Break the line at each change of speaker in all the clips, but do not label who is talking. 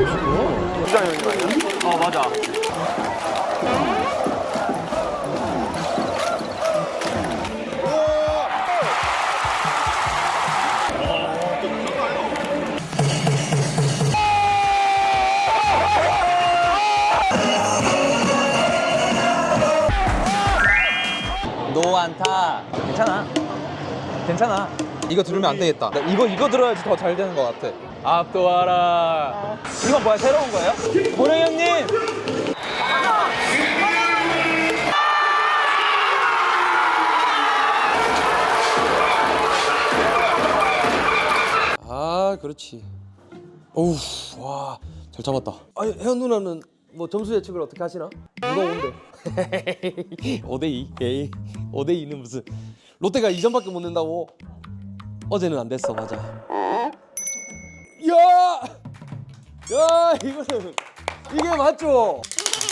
주장 형님 아니야?
맞아.
노안타. 괜찮아. 괜찮아. 이거 들으면 안 되겠다. 이거 들어야지 더 잘 되는 것 같아. 압도하라. 이건 뭐야? 새로운 거예요? 보령 형님.
아, 그렇지. 어우, 와, 잘 잡았다. 아니, 혜연 누나는 뭐 점수 예측을 어떻게 하시나? 누가 온대? 5대2. 에이, 5대2는 무슨. 롯데가 2점밖에 못 낸다고? 어제는 안 됐어, 맞아. 야! 야, 이거는 이게 맞죠?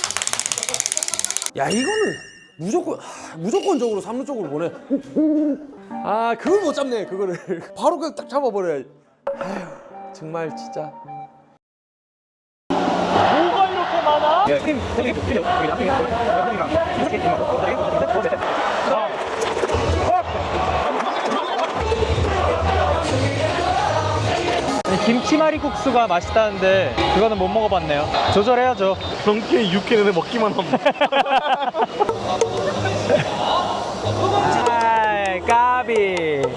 야, 이거는 무조건적으로 3루 쪽으로 보내. 아, 그걸 못 잡네, 그거를. 바로 그냥 딱 잡아버려야지. 아휴, 정말 진짜.
김치말이 국수가 맛있다는데 그거는 못 먹어봤네요. 조절해야죠.
경기에 6회는 먹기만 하면.
아, 까비.